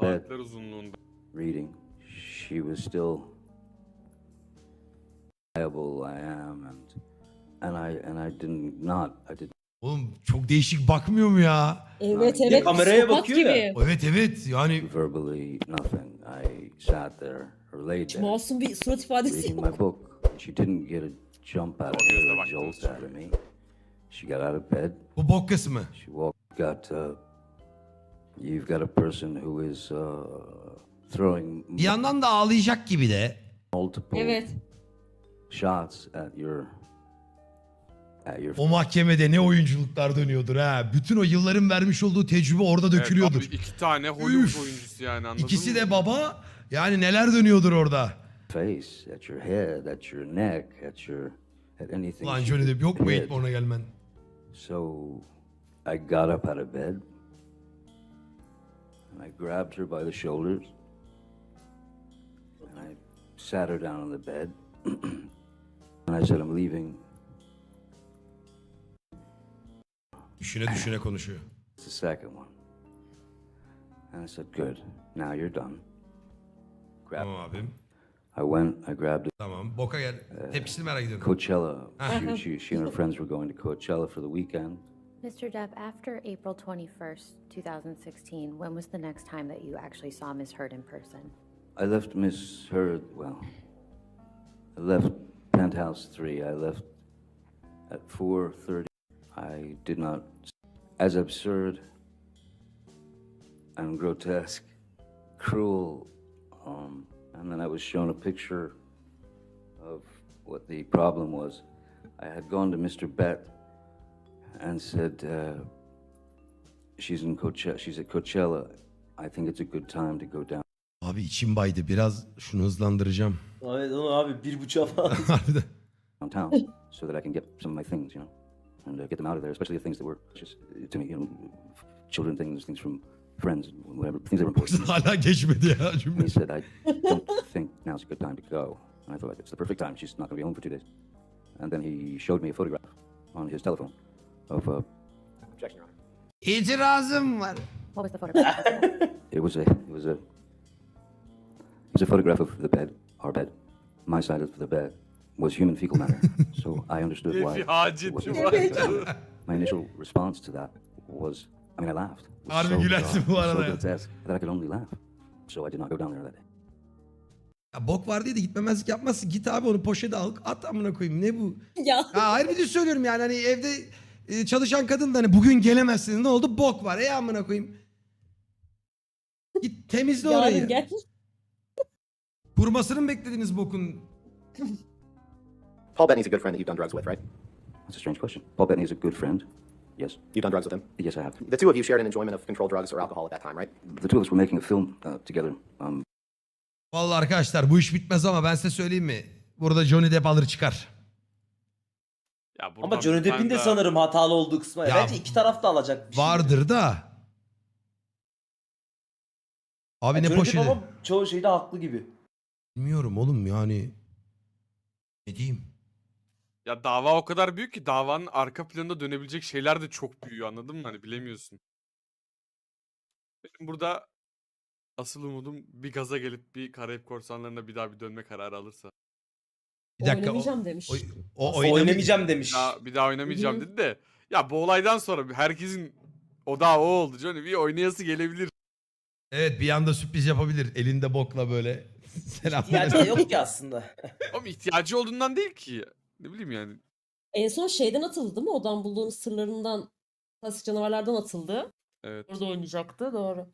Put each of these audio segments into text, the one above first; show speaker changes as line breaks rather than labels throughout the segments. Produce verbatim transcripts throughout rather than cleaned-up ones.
bed
Saatler uzunluğunda.
reading. She was still reliable. I am, and and I and I did not. I did
Oğlum çok değişik bakmıyor mu ya?
Evet
Bir de
evet.
kameraya
psikopat
bakıyor
gibi.
ya.
Evet evet yani
verbally nothing. I sat there or laid there
Masum bir surat ifadesi
reading
yok.
my book. She didn't get a jump out of
O gözle
me, a
baktınız
jolt
çünkü.
out of me. She got out of bed.
bu bok kısmı.
She walked. Got. Uh, you've got a person who is uh, throwing
Bir yandan da ağlayacak gibi de.
multiple
Evet.
shots at your at your
O mahkemede ne oyunculuklar dönüyordur ha. Bütün o yılların vermiş olduğu tecrübe orada dökülüyordur.
Evet, abi iki tane Hollywood
Üf.
oyuncusu yani anladın
İkisi
mı?
de baba. Yani neler dönüyordur orada.
face, at your head, at your neck, at your at anything.
Ulan
she
Johnny
could
Depp yok mu
hit.
Eightborn'a gelmen?
So I got up out of bed and I grabbed her by the shoulders and I sat her down on the bed and I said, I'm leaving.
Düşüne düşüne konuşuyor.
It's the second one. And I said, good, now you're done. Grab.
Tamam abim.
I went, I grabbed
Tamam. Boka gel. Tepkisini merak ediyorum.
Coachella. She, she, she and her friends were going to Coachella for the weekend.
Mister Depp, after April twenty-first, two thousand sixteen, when was the next time that you actually saw Miss Heard in person?
I left Miss Heard, well, I left Penthouse three. I left at four thirty. I did not, as absurd and grotesque, cruel, um, and then I was shown a picture of what the problem was. I had gone to Mister Bett and said, uh, she's in Coachella, she's at Coachella. I think it's a good time to go down.
Abi içim baydı. Biraz şunu hızlandıracağım.
Evet onu abi bir buçuğa falan.
Harbiden.
downtown so that I can get some of my things, you know, and uh, get them out of there, especially the things that were just uh, to me, you know, children things, things from friends, whatever, things that were important.
Hala geçmedi ya
And
cümle.
he said, I don't think now's a good time to go. And I thought, it's the perfect time. She's not going to be home for two days. And then he showed me a photograph on his telephone of a. Objection, Your Honor.
İtirazım var.
What was the photograph?
It was a. It was a. It was a photograph of the bed, our bed. My side of the bed was human fecal matter, so I understood
Diye
why.
bir
it
haceti
wasn't-
var.
My initial response to that was, I mean, I laughed. It was
Harbi
so
gülersin
bizarre,
bu
so
arada ya.
grotesque that I could only laugh. So I did not go down there that day.
Ya bok var diye de gitmemezlik yapmazsın. Git abi onu poşete al. At amına koyayım. Ne bu?
Ya.
Ya hayır bir de söylüyorum yani hani evde e, çalışan kadın da hani bugün gelemezsin. Ne oldu? Bok var. Ey amına koyayım. Git temizle orayı.
Yarın gel.
Kurumasını mı beklediniz bokun?
Paul Bettany's a good friend that you've done drugs with, right?
That's a strange question. Paul Bettany is a good friend. Yes.
You've done drugs with him.
Yes, I have.
The two of you shared an enjoyment of controlled drugs or alcohol at that time, right?
The two of us were making a film uh, together. Um,
Vallahi arkadaşlar bu iş bitmez ama ben size söyleyeyim mi? Burada Johnny Depp alır çıkar.
Ya buradan
Ama Johnny
bir
Depp'in
tane
de
daha-
sanırım hatalı olduğu kısmı.
Ya,
Bence iki taraf da alacak bir şey.
Vardır da. Abi ne
Johnny Depp
poşeti?
ama çoğu şeyde haklı gibi.
Bilmiyorum oğlum yani. Ne diyeyim?
Ya dava o kadar büyük ki davanın arka planında dönebilecek şeyler de çok büyüyor anladın mı? Hani bilemiyorsun. Benim burada asıl umudum bir gaza gelip bir Karayip Korsanları'na bir daha bir dönme kararı alırsa.
Bir dakika. O,
Oynamayacağım demiş.
o, o,
O
oynamayacağım.
oynamayacağım demiş.
Bir daha, bir daha oynamayacağım
Hı.
dedi de. Ya bu olaydan sonra herkesin o daha o oldu Johnny. Bir oynayası gelebilir.
Evet bir anda sürpriz yapabilir. Elinde bokla böyle. Selam.
İhtiyacı da yok ki aslında.
Ama ihtiyacı olduğundan değil ki. Ne bileyim yani.
En son şeyden atıldı değil mi? Odan bulduğunuz sırlarından, klasik canavarlardan atıldı.
Evet.
Orada oynayacaktı. Doğru.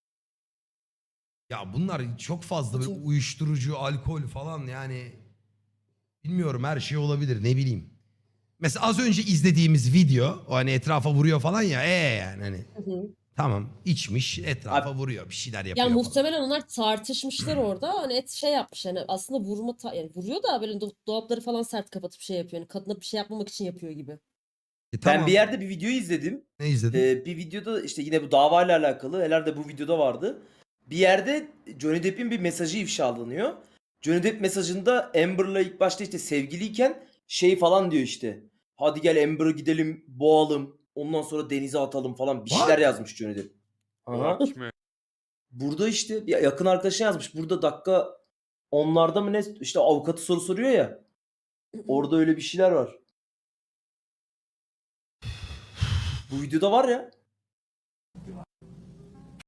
Ya bunlar çok fazla böyle
Çok.
uyuşturucu, alkol falan yani bilmiyorum her şey olabilir ne bileyim. Mesela az önce izlediğimiz video o hani etrafa vuruyor falan ya ee yani hani
Hı hı.
tamam içmiş etrafa vuruyor bir şeyler yapıyor.
Yani
falan.
muhtemelen onlar tartışmışlar orada. Hani et şey yapmış yani aslında vurma ta- yani vuruyor da böyle do- dolapları falan sert kapatıp şey yapıyor. Yani kadına bir şey yapmamak için yapıyor gibi.
E, tamam.
Ben bir yerde bir video izledim.
Ne izledin?
Ee, bir videoda işte yine bu davayla alakalı. Herhalde bu videoda vardı. Bir yerde Johnny Depp'in bir mesajı ifşalanıyor. Johnny Depp mesajında Amber'la ilk başta işte sevgiliyken şey falan diyor işte. Hadi gel Amber'ı gidelim boğalım. Ondan sonra denize atalım falan. Bir şeyler
What?
yazmış Johnny Depp. Aha.
Kime?
Burada işte bir yakın arkadaşına yazmış. Burada dakika onlarda mı ne işte avukatı soru soruyor ya. Orada öyle bir şeyler var. Bu videoda var ya.